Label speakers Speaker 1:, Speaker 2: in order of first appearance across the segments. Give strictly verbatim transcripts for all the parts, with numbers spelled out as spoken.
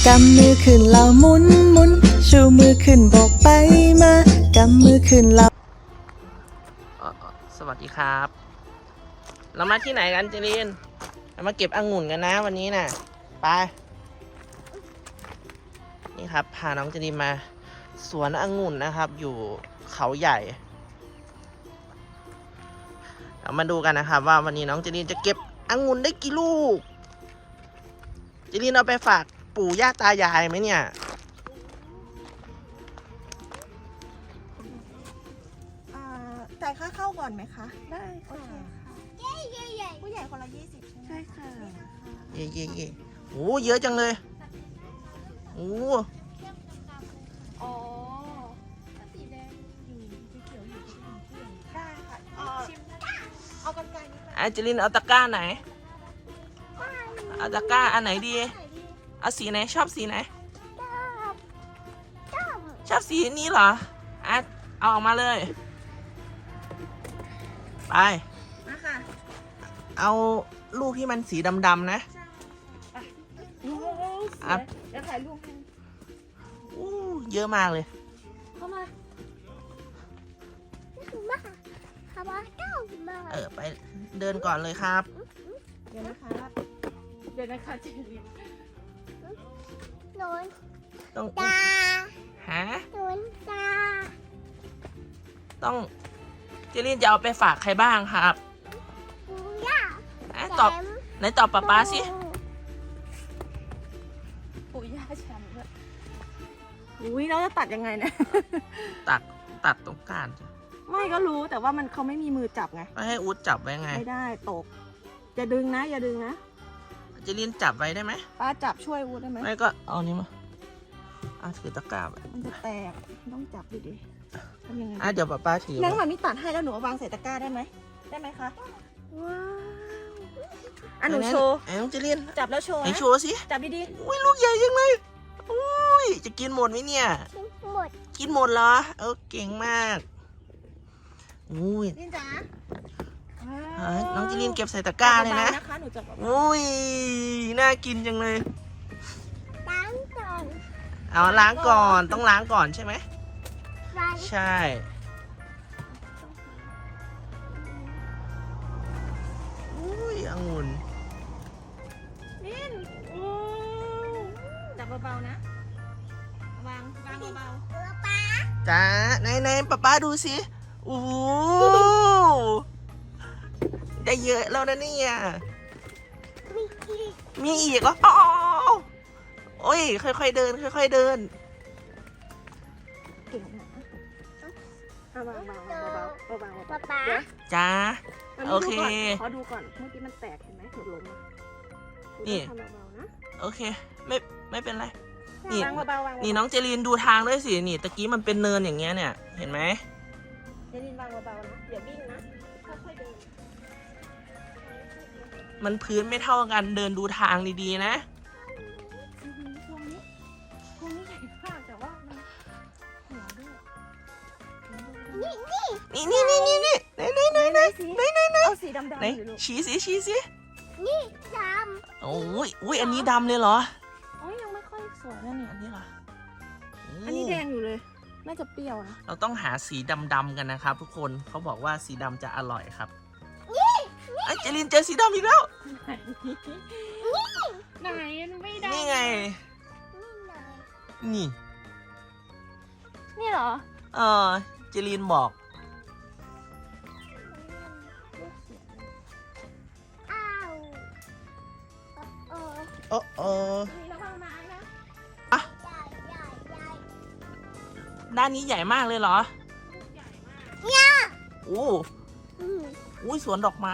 Speaker 1: ากำมือขึ้นเราหมุนหมุนชูมือขึ้นบอกไปมากำมือขึ้นเรา
Speaker 2: สวัสดีครับ เรามาที่ไหนกันเจริญเรามาเก็บองุ่นกันนะวันนี้น่ะไปนี่ครับพาน้องเจริญมาสวนองุ่นนะครับอยู่เขาใหญ่เรามาดูกันนะครับว่าวันนี้น้องเจริญจะเก็บองุ่นได้กี่ลูกเจริญเอาไปฝากปู่ย่าตายายไหมเนี่ย
Speaker 3: จ่ายค่าเข้าก่อนไหมคะได้โอเคค่ะผู้ใหญ่คนละยี่สิบใช่ค่ะ
Speaker 2: เย่เย่เย่โอ้เยอะจังเลยโอ้
Speaker 3: อ๋อสีแดงอยู่สีเขียวอยู่ที่หนึ่งได้ค่ะชิมเอากันไกลนิดนึง
Speaker 2: ไอเจลินเอาตะกร้าไหนเอาตะกร้าอันไหนดีเอาสีไหนชอบสีไหนชอบสีนี้เหรออ่ะเอาออกมาเลยไปเอาลูกที่มันสีดำๆนะอ่ะ
Speaker 3: เดี๋ยวถ่ายรูปให้
Speaker 2: อู้เยอะมากเลย
Speaker 3: เข้ามา
Speaker 2: เออไปเดินก่อนเลยครับ
Speaker 3: เดี๋ยวนะคะเดี๋ยวนะคะเจริญ
Speaker 2: ต้อง
Speaker 4: ตา
Speaker 2: หา
Speaker 4: หนุนตา
Speaker 2: ต้องเจลินจะเอาไปฝากใครบ้างครับ
Speaker 4: ปูย่า
Speaker 2: อ่ะตอบไหนตอบป๊าป๊าสิ
Speaker 3: ปู่ย่าแชมป์ด้วยอุ้ยเราจะตัดยังไงเนี่ย
Speaker 2: ตัดตัดตรงกลางจ้ะ
Speaker 3: ไม่ก็รู้แต่ว่ามันเขาไม่มีมือจับไง
Speaker 2: ไม่ให้อู๊ดจับไว้ไง
Speaker 3: ไม่ได้ตกอย่าดึงนะอย่าดึงนะ
Speaker 2: เจลินจับไว้ได้ไหม
Speaker 3: ป้าจับช่วยวูดได้ไหม
Speaker 2: ไม่ก็เอานี้มาอ่ะถือตะกร้าไป
Speaker 3: มันจะแตกต้องจับดูดิทำยังไง
Speaker 2: อ่ะเดี๋ยวป๊าป๊าถือ
Speaker 3: นั่ง
Speaker 2: ไว้
Speaker 3: มามีตัดให้แล้วหนูเอาวางใส่ตะกร้าได้ไหมได้ไหมคะว้าวอ่ะหนูโชว์
Speaker 2: ไอ้น้องเจลิน
Speaker 3: จับแล้วโชว์
Speaker 2: ไหน
Speaker 3: นะ
Speaker 2: โชว์สิ
Speaker 3: จับดี
Speaker 2: อุ้ยลูกใหญ่จังเลยอุ้ยจะกินหมดไหมเนี่ย
Speaker 4: ทิ้งหมด
Speaker 2: กินหมดเหรอเออเก่งมากอุ้ย
Speaker 3: ๆลินจ๋า
Speaker 2: เฮ้ยน้องเจลินเก็บใส่ตะกร้าเลยนะ
Speaker 3: จับเบาๆนะคะหนูจับเบา
Speaker 2: อุ้ยน่ากินจังเลย
Speaker 4: ล้างก่อน
Speaker 2: เอาล้างก่อนต้องล้างก่อนใช่ไหม
Speaker 4: ล้าง
Speaker 2: ใช่อุ้ยองุ่น
Speaker 3: ๆลินโอ้จับเบาๆนะวางวางเบา
Speaker 4: เออป้า
Speaker 2: จ้าไหนไหนป๊าป๊าดูสิโอ้โหได้เยอะแล้วนะเนี่ย
Speaker 4: มีอีก
Speaker 2: มีอีกเหรออ๋อโอ้ยค่อยๆเดินค่อยๆเดิน
Speaker 3: ๆเก่งนะเอาวางเบาๆเบาๆเบาๆ
Speaker 4: ป้าป้า
Speaker 3: เดี๋ยว
Speaker 2: จ้า
Speaker 3: มัน
Speaker 2: โอเค
Speaker 3: ขอดูก่อนเมื่อกี้มันแตกเห็นไหมหนูล้มอะห
Speaker 2: นี่
Speaker 3: ทำเบาๆนะ
Speaker 2: โอเคไม่ไม่เป็นไร นี่
Speaker 3: วางเบาๆวางเบาๆ
Speaker 2: นี่น้องเจลีนดูทางด้วยสินี่ตะกี้มันเป็นเนินอย่างเงี้ยเนี่ยเห็นไหม
Speaker 3: เจลินวางเบาๆนะอย่าวิ่งนะค่อยๆเดิน
Speaker 2: มันพื้นไม่เท่ากันเดินดูทางดีๆนะ
Speaker 3: อือหือพวงนี้พวงนี้ใหญ่มากแต่ว่ามันหัวด้วย
Speaker 4: นี่นี่
Speaker 2: นี่นี่นี่นี่นี่ไหนไหนไหนไหน
Speaker 3: สี
Speaker 2: ไหนไหนไหน
Speaker 3: เอาสีดำ
Speaker 2: ไหน
Speaker 3: ๆอยู่ลูก
Speaker 2: ชี้สิชี้สิ
Speaker 4: นี่ด
Speaker 2: โอ้ยอุ้ยอันนี้ดำเลยเหรอ
Speaker 3: โอ้ยยังไม่ค่อยสวยนะเนี่ย
Speaker 2: อันนี้เหรอโ
Speaker 3: อันนี้แดงอยู่เลย น่าจะเปรี้ยวนะ
Speaker 2: เราต้องหาสีดำๆกันนะครับ ทุกคนเขาบอกว่าสีดำจะอร่อยครับไอ้เจลินเจอสีดำอีกแล้ว
Speaker 3: ไหนมันไม่ได้
Speaker 2: นี่ไง
Speaker 4: ำนี่หน่อย
Speaker 2: นี่
Speaker 3: นี่เหรอ
Speaker 2: เออเจลินบอก
Speaker 4: อ้าวโอ้
Speaker 2: โอ้โอ้
Speaker 3: มีระวังไม้นะ
Speaker 4: ใหญ่ใหญ่ใหญ่
Speaker 2: ด้านนี้ใหญ่มากเลยเหรอ
Speaker 3: ใหญ่มาก
Speaker 2: โอ้
Speaker 4: อืม
Speaker 2: อุ้ยสวนดอกไม้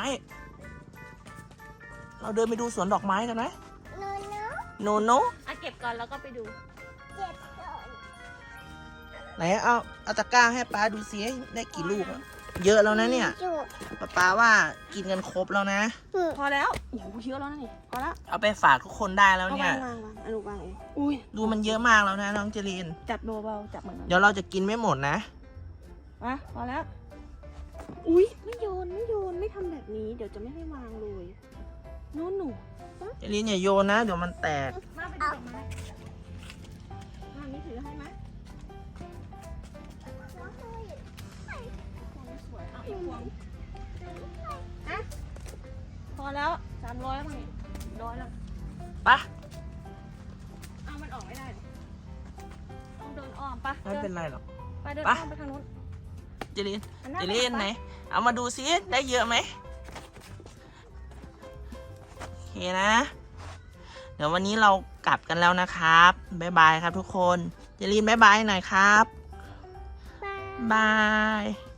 Speaker 2: เราเดินไปดูสวนดอกไม้กันไหม
Speaker 4: โนโน
Speaker 2: โนโน
Speaker 3: อ่ะเก็บก่อนแล้วก็ไปดู
Speaker 4: เจ็บก่อน
Speaker 2: ไหนเอาเอาตะกร้าให้ป้าดูซิได้กี่ลูกอะเยอะแล้วนะเนี่ย
Speaker 4: จุด
Speaker 2: ป้าป้าว่ากินกันครบแล้วนะ
Speaker 4: อืม
Speaker 3: พอแล้วโอ้โหเยอะแล้วนะนี่พอแล้ว
Speaker 2: เอาไปฝากทุกคนได้แล้ว
Speaker 3: เอา
Speaker 2: เนี่
Speaker 3: วาย งวางวางอนุวางเองอุ้ย
Speaker 2: ดูมันเยอะมากแล้วนะน้องเจริน
Speaker 3: จับเบาๆจับเหมือนกัน
Speaker 2: เดี๋ยวเราจะกินไม่หมดนะ
Speaker 3: มาพอแล้ว อุ้ยไม่โยนไม่โยนไม่ทำแบบนี้ เดี๋ยวจะไม่ให้วางเลยโน่นหนู
Speaker 2: เจรินอย่าโยนนะ เดี๋ยวมันแตก
Speaker 3: มาไปดูดอกไม้กี่พวงอะพอแล้วสามร้อยมั้งร้อยแล้ว
Speaker 2: ไปะ
Speaker 3: เอามันออกไม่ได้เหรอต้องเดินอ้อมปะ
Speaker 2: ไม่เป็นไรหรอก
Speaker 3: ไปเดิน
Speaker 2: ไป
Speaker 3: อ้อมไปทางนู้น
Speaker 2: เจลิน
Speaker 3: มันน่า
Speaker 2: เจลิน
Speaker 3: รักปะ
Speaker 2: ไหน เอามาดูซิได้เยอะไหมโอเคนะ เดี๋ยววันนี้เรากลับกันแล้วนะครับ บ๊ายบายครับทุกคน เจลินบ๊ายบายหน่อยครับ
Speaker 4: บาย
Speaker 2: บาย